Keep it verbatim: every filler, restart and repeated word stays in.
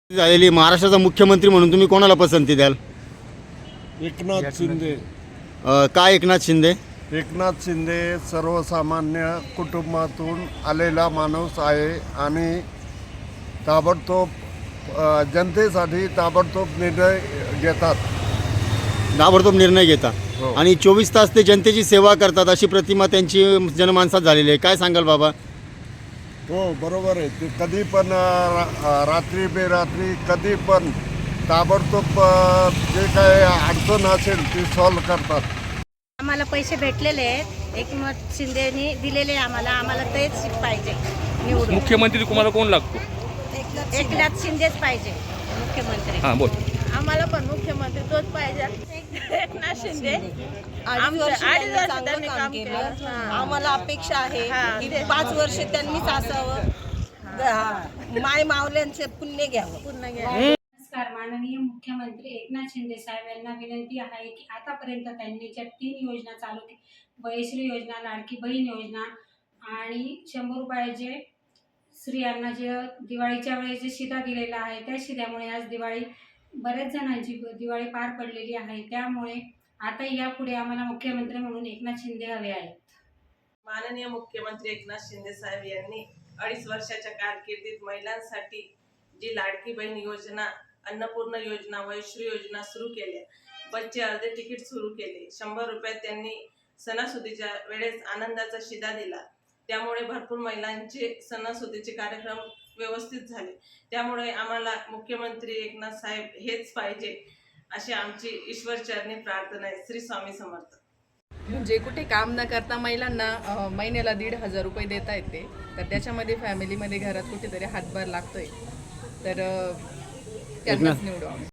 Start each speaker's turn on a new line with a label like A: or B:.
A: झालेली महाराष्ट्राचा मुख्यमंत्री म्हणून तुम्ही कोणाला पसंती द्याल?
B: एकनाथ शिंदे.
A: अ, का एकनाथ शिंदे?
B: एकनाथ शिंदे सर्वसामान्य कुटुंबातून आलेला माणूस आहे आणि ताबडतोब अ, जनतेसाठी ताबडतोब निर्णय घेतात.
A: ताबडतोब निर्णय घेता
B: हो.
A: आणि चोवीस तास ते जनतेची सेवा करतात अशी प्रतिमा त्यांची जनमानसात झालेली आहे. काय सांगाल बाबा?
B: हो, बरोबर आहे. ते कधी पण अ, रा- रात्री बेरात्री कधी पण ताबडतोब अ, जे काय अडचण असेल ती सॉल्व्ह करतात.
C: आम्हाला पैसे भेटलेले आहेत, एकनाथ शिंदेनी दिलेले आहे आम्हाला. आम्हाला तेच पाहिजे निवडून.
D: मुख्यमंत्री तुम्हाला कोण लागतो?
C: एकनाथ शिंदेच पाहिजे मुख्यमंत्री.
D: हां बोल.
E: आम्हाला पण मुख्यमंत्री तोच पाहिजे. एकनाथ शिंदे
F: अडीच वर्ष
E: अडीच वर्ष
F: चांगलं
E: त्यांनी
F: काम
E: काम
F: केलं.
E: केलं. हां.
F: आम्हाला अपेक्षा आहे
E: हां,
F: की
E: ते-
F: पाच वर्ष त्यांनीच असावं. ग- माय मावल्यांचे पुण्य घ्यावं.
E: पुन्हा घ्या.
G: नमस्कार. माननीय मुख्यमंत्री एकनाथ शिंदे साहेब यांना विनंती आहे की आतापर्यंत त्यांनी ज्या तीन योजना चालू केल्या, वयश्री योजना, लाडकी बहीण योजना आणि शंभर रुपयाचे स्त्रियांना जे दिवाळीच्या वेळेस जे शिधा दिलेला आहे, त्या शिध्यामुळे आज दिवाळी बऱ्याच जणांची दिवाळी पार पडलेली आहे. त्यामुळे आता यापुढे आम्हाला मुख्यमंत्री म्हणून एकनाथ शिंदे हवे आहेत.
H: माननीय मुख्यमंत्री एकनाथ शिंदे साहेब यांनी अडीच वर्षाच्या कारकिर्दीत महिलांसाठी जी लाडकी बहीण योजना, अन्नपूर्णा योजना, वयश्री योजना सुरू केल्या, बसचे अर्धे तिकीट सुरू केले, शंभर रुपयात त्यांनी सणासुदीच्या वेळेस आनंदाचा शिधा दिला. त्यामुळे भरपूर महिलांचे सणासुदीचे कार्यक्रम व्यवस्थित झाले. त्यामुळे आम्हाला मुख्यमंत्री एकनाथ साहेब हेच पाहिजे अशी आमची ईश्वरचरणी प्रार्थना आहे. श्री स्वामी समर्थ.
E: म्हणजे कुठे काम न करता महिलांना अ, महिन्याला दीड हजार रुपये देता येते, तर त्याच्यामध्ये फॅमिलीमध्ये घरात कुठेतरी हातभार लागतोय, तर अ, त्यांनाच निवडू आम्ही.